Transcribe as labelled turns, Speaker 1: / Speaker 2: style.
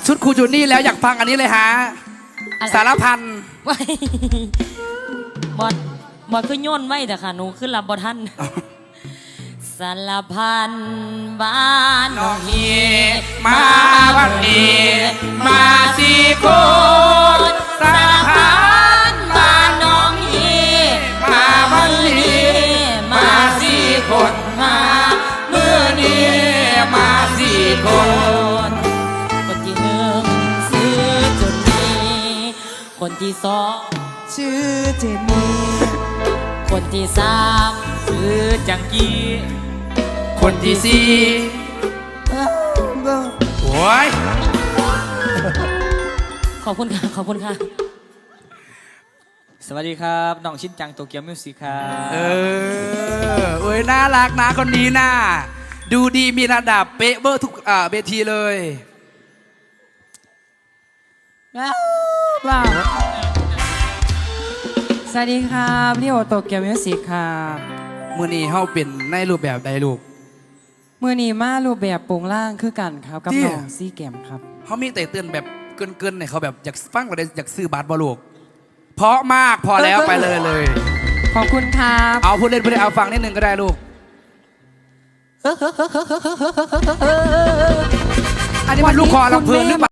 Speaker 1: ชุดครูจูนี่แล้วอยากฟังอันนี้เลยฮะ
Speaker 2: อะไร
Speaker 1: สารพัน
Speaker 2: ไม่บอดคือโยนไว้แต่ค่ะหนูขึ้นรับบอท่านสารพันบ้านน้องเฮ
Speaker 1: มาวันนี้มาสี่คนสารพัน
Speaker 2: บ้านน้องเฮ
Speaker 1: มาวันนี้มาสี่คนมาเมื่อนี้มาสี่คน
Speaker 2: คนที่หนึ่งซื้อจนนี้คนที่สอง
Speaker 3: ชื่อเจนนี่
Speaker 2: คนที่สามซื้อจังกี้
Speaker 1: คนที่สี่โอ้ย
Speaker 2: ขอบคุณค่ะขอบคุณค่ะ
Speaker 4: สวัสดีครับน้องชินจังโตเกียวมิวสิกครับ
Speaker 1: โอ้ยน่ารักนะคนนี้น่าดูดีมีระดับเป๊ะเบอร์ทุกเวทีเลย
Speaker 3: ว้าวสวัสดีครับพี่โอโตเกียวมิวสิกครับ
Speaker 1: มือนี้เฮาเป็นในรูปแบบใดลูก
Speaker 3: มือนีมารูปแบบโปรงล่างคือกันครับกับ
Speaker 1: จริง
Speaker 3: น้องซีแกมครับ
Speaker 1: เขามีแต่เตือนแบบเกินๆเนี่ยเขาแบบอยากฟังกว่าอยากซื้อบัตรบอลูกเพราะมากพอแล้วไปเลย
Speaker 3: ขอบคุณครับ
Speaker 1: เอาพูดเล่นเอาฟังนิดนึงก็ได้ลูก อันนี้มันลูกคอลำเพลินหรือเปล่า